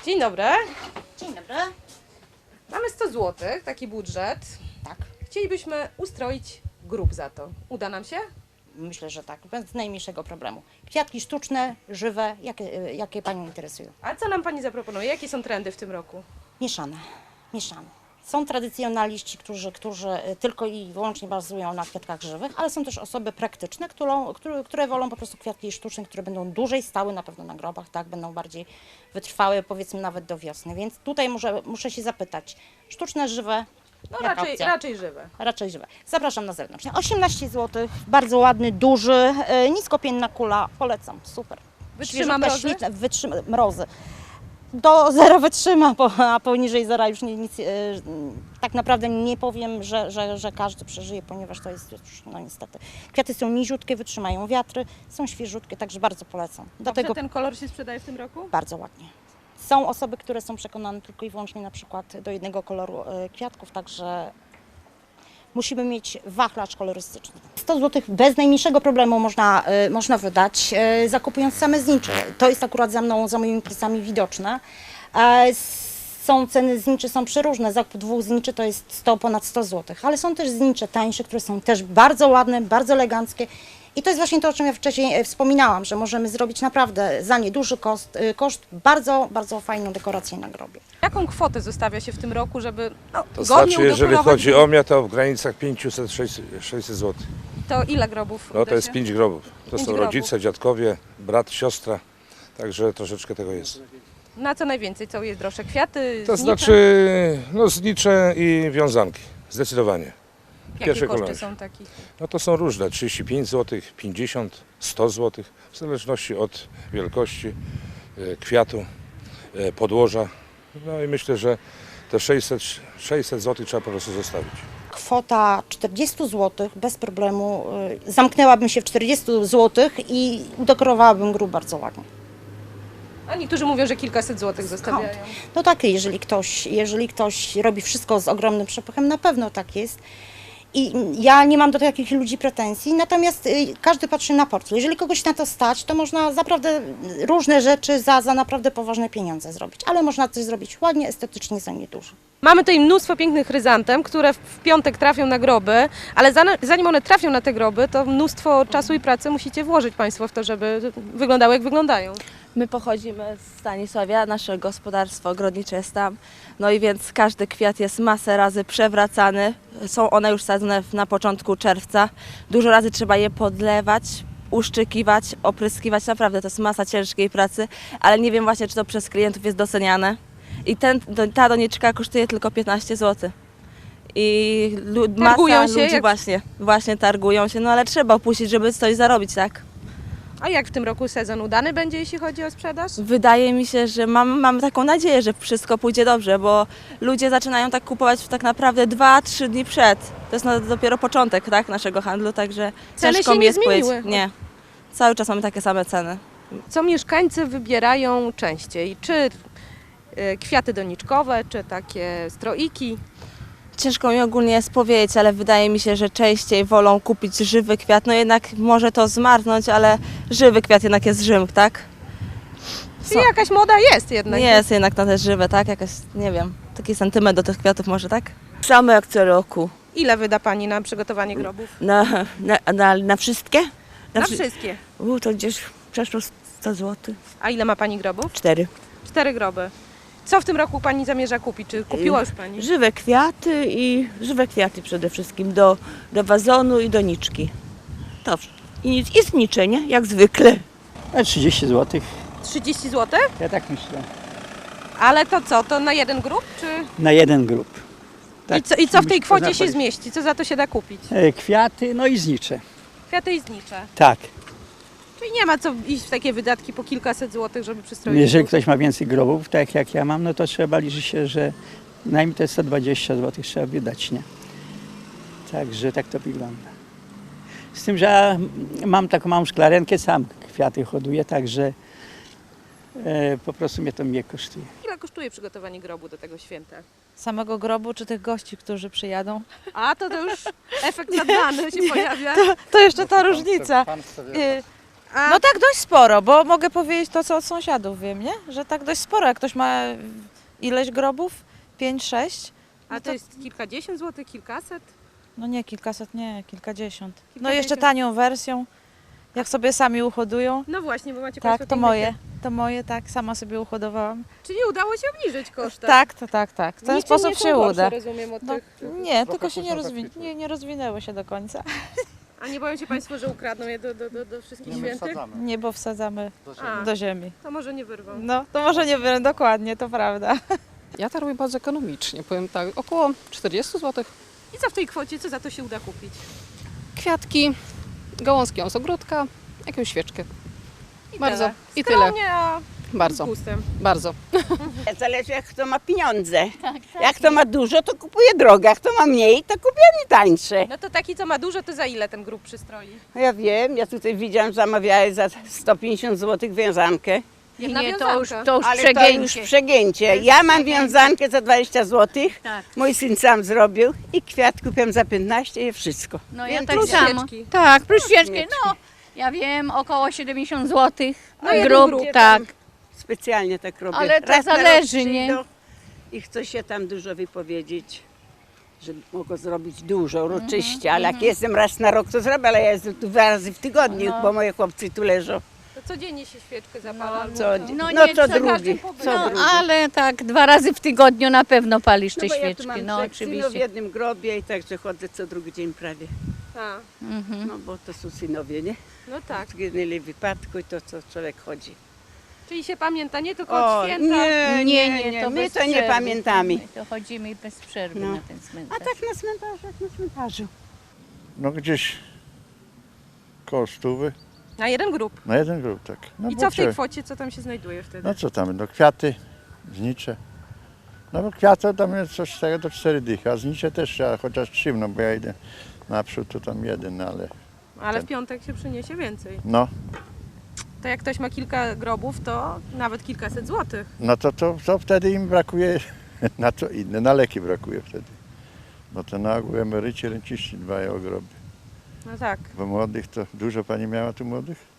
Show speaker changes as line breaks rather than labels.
Dzień dobry.
Dzień dobry.
Mamy 100 zł, taki budżet.
Tak,
Chcielibyśmy ustroić grób za to. Uda nam się?
myślę, że tak, bez najmniejszego problemu. Kwiatki sztuczne, żywe, jakie Panią interesują?
A co nam Pani zaproponuje? Jakie są trendy w tym roku?
Mieszane, mieszane. Są tradycjonaliści, którzy tylko i wyłącznie bazują na kwiatkach żywych, ale są też osoby praktyczne, które wolą po prostu kwiatki sztuczne, które będą dłużej stały na pewno na grobach, tak, będą bardziej wytrwałe, powiedzmy nawet do wiosny. Więc tutaj muszę się zapytać, sztuczne, żywe,
No
jaka opcja?
raczej żywe.
Raczej żywe. Zapraszam na zewnątrz. 18 zł, bardzo ładny, duży, niskopienna kula, polecam, super.
Wytrzyma
Świeżutka,
mrozy?
śliczna, wytrzyma mrozy. Do zera wytrzyma, a poniżej zera już nic, tak naprawdę nie powiem, że każdy przeżyje, ponieważ to jest już, no niestety. Kwiaty są niziutkie, wytrzymają wiatry, są świeżutkie, także bardzo polecam. Do
Dobrze
tego
ten kolor się sprzedaje w tym roku?
bardzo ładnie. Są osoby, które są przekonane tylko i wyłącznie na przykład do jednego koloru kwiatków, także musimy mieć wachlarz kolorystyczny. 100 zł bez najmniejszego problemu można wydać, zakupując same znicze. To jest akurat za moimi plecami widoczne. Są ceny zniczy, są przeróżne. Zakup 2 zniczy to jest ponad 100 zł, ale są też znicze tańsze, które są też bardzo ładne, bardzo eleganckie. I to jest właśnie to, o czym ja wcześniej wspominałam, że możemy zrobić naprawdę za nieduży koszt bardzo, bardzo fajną dekorację na grobie.
Jaką kwotę zostawia się w tym roku, żeby
To
godnie
znaczy, jeżeli
udekorować
chodzi
grób?
o mnie, to w granicach 500-600 zł.
To ile grobów
No
uda
to jest
się?
5 grobów. To
Pięć
są
grobów.
rodzice, dziadkowie, brat, siostra. Także troszeczkę tego jest.
Na co najwięcej? Co jest droższe? Kwiaty,
To
znicze?
znaczy, no znicze i wiązanki. Zdecydowanie.
Jakie
pierwszej
koszty
kolejności.
są takich?
No to są różne. 35 zł, 50, 100 zł. W zależności od wielkości kwiatu, podłoża. No i myślę, że te 600 zł trzeba po prostu zostawić.
Kwota 40 zł bez problemu, zamknęłabym się w 40 zł i udekorowałabym grób bardzo ładnie.
A niektórzy mówią, że kilkaset złotych zostawiają.
No tak, jeżeli ktoś robi wszystko z ogromnym przepychem, na pewno tak jest. I ja nie mam do takich ludzi pretensji, natomiast każdy patrzy na portfel. Jeżeli kogoś na to stać, to można naprawdę różne rzeczy za naprawdę poważne pieniądze zrobić, ale można coś zrobić ładnie, estetycznie za niedużo.
Mamy tutaj mnóstwo pięknych chryzantem, które w piątek trafią na groby, ale zanim one trafią na te groby, to mnóstwo czasu i pracy musicie włożyć Państwo w to, żeby wyglądały jak wyglądają.
My pochodzimy z Stanisławia, nasze gospodarstwo ogrodnicze jest tam, no i więc każdy kwiat jest masę razy przewracany. Są one już sadzone na początku czerwca. Dużo razy trzeba je podlewać, uszczykiwać, opryskiwać. Naprawdę to jest masa ciężkiej pracy, ale nie wiem właśnie, czy to przez klientów jest doceniane. I ta doniczka kosztuje tylko 15 zł. I
Targują
masa
się,
ludzi
jak-
właśnie targują się, no ale trzeba opuścić, żeby coś zarobić, tak?
A jak w tym roku sezon udany będzie, jeśli chodzi o sprzedaż?
Wydaje mi się, że mam taką nadzieję, że wszystko pójdzie dobrze, bo ludzie zaczynają tak kupować tak naprawdę 2-3 dni przed. To jest dopiero początek, tak, naszego handlu, także
Ceny
ciężko
się
mi
nie
jest powiedzieć.
zmieniły.
Nie, cały czas mamy takie same ceny.
Co mieszkańcy wybierają częściej? Czy kwiaty doniczkowe, czy takie stroiki?
Ciężko mi ogólnie jest powiedzieć, ale wydaje mi się, że częściej wolą kupić żywy kwiat. No jednak może to zmarnąć, ale żywy kwiat jednak jest Rzym, tak?
Czyli jakaś moda jest jednak.
Jest jednak na te żywe, tak? Jakaś, nie wiem, taki sentyment do tych kwiatów może, tak?
Same jak co roku.
Ile wyda Pani na przygotowanie grobów?
Na wszystkie?
Na wszystkie.
To gdzieś przeszło 100 zł.
A ile ma Pani grobów?
4.
4 groby. Co w tym roku Pani zamierza kupić? Czy kupiła już Pani?
Żywe kwiaty przede wszystkim do wazonu i doniczki. To i znicze, nie? Jak zwykle.
A 30 zł.
30 zł?
Ja tak myślę.
Ale to co? To na jeden grób? Czy...
Na jeden grób.
I co w tej
musimy
kwocie się
zapalić.
zmieści? Co za to się da kupić?
Kwiaty, no i znicze.
Kwiaty i znicze.
Tak.
Czyli nie ma co iść w takie wydatki po kilkaset złotych, żeby przystroić
Jeżeli
grób.
ktoś ma więcej grobów, tak jak ja mam, no to trzeba liczyć się, że najmniej te 120 zł trzeba wydać, nie? Także tak to wygląda. Z tym, że ja mam taką małą szklarenkę, sam kwiaty hoduję, także po prostu mnie to mniej kosztuje.
Ile kosztuje przygotowanie grobu do tego święta?
Samego grobu, czy tych gości, którzy przyjadą?
A to już efekt nadany się pojawia.
To jeszcze ta różnica. No tak dość sporo, bo mogę powiedzieć to, co od sąsiadów wiem, nie? Że tak dość sporo. Jak ktoś ma ileś grobów, 5-6,
A to jest kilkadziesiąt złotych, kilkaset?
no nie kilkaset, nie, kilkadziesiąt. No
Kilkadziesiąt.
jeszcze tanią wersją, jak sobie sami uhodują.
No właśnie, bo macie
Tak,
Państwo
to
piękne
moje. To moje, tak, sama sobie uhodowałam.
Czyli udało się obniżyć koszty.
Tak. W ten
Niczym
sposób
nie są
się
gorsze,
uda.
rozumiem, od
No,
tych...
nie, tylko się nie rozwinęły się do końca.
A nie boją się Państwo, że ukradną je do wszystkich świętych?
Nie, bo wsadzamy
A,
do ziemi.
to może nie wyrwą.
No, to może nie wiem, dokładnie, to prawda.
Ja to robię bardzo ekonomicznie, powiem tak, około 40 zł.
I co w tej kwocie, co za to się uda kupić?
Kwiatki, gałązki z ogródka, jakąś świeczkę.
I
Bardzo.
tyle.
I tyle.
Skromnie, a z
Bardzo,
gustem.
bardzo.
Zależy jak kto ma pieniądze. Jak kto ma dużo, to kupuje drogie, jak kto ma mniej, to kupuje tańsze.
No to taki, co ma dużo, to za ile ten grób przystroi?
No ja wiem, ja tutaj widziałam, zamawiałem za 150 zł wiązankę,
Jedna
Nie,
wiązanka.
to już
ale
przegięcie.
to już przegięcie. Ja mam wiązankę za 20 zł,
Tak.
mój syn sam zrobił i kwiat kupiłem za 15 i wszystko.
No ja
Więc
tak
plus
samo.
świeczki.
Tak, plus świeczki.
Świeczki.
No, ja wiem, około 70 zł.
No jeden
Grób,
grób.
tak.
Specjalnie tak robię.
Ale to
Raz na rok
zależy, nie?
przyjdą I chce się tam dużo wypowiedzieć, że mogę zrobić dużo, uroczyście, ale jak jestem raz na rok, to zrobię, ale ja jestem tu 2 razy w tygodniu, bo moje chłopcy tu leżą.
To codziennie się świeczkę zapala.
No
nie,
co
co
drugi, co
No,
drugi.
ale tak 2 razy w tygodniu na pewno palisz te
bo ja tu
świeczki.
mam
No
3 synów w
oczywiście.
jednym grobie i także chodzę co drugi dzień prawie.
A,
No bo to są synowie, nie?
no tak.
Zginęli w wypadku i to co człowiek chodzi.
Czyli się pamięta nie tylko od
O,
święta.
To
my
bez
to nie
przerwy.
pamiętamy.
My to chodzimy bez przerwy
No.
na ten
A
cmentarz.
tak na cmentarzu, jak na cmentarzu.
No gdzieś koło 100,
Na jeden grób.
na jeden grób, tak. No
I
bo
co w tej
trzeba-
kwocie, co tam się znajduje wtedy?
No co tam, no kwiaty, znicze. No bo kwiaty tam jest coś z tego do 4 dychy, a znicze też trzeba chociaż 3, no bo ja idę naprzód, to tam jeden, no ale
Ale w piątek się przyniesie więcej.
no,
To jak ktoś ma kilka grobów, to nawet kilkaset złotych.
no to wtedy im brakuje na co inne, na leki brakuje wtedy. Bo to na ogół emeryci, renciści dbają o groby.
No tak.
Bo młodych to dużo pani miała tu młodych?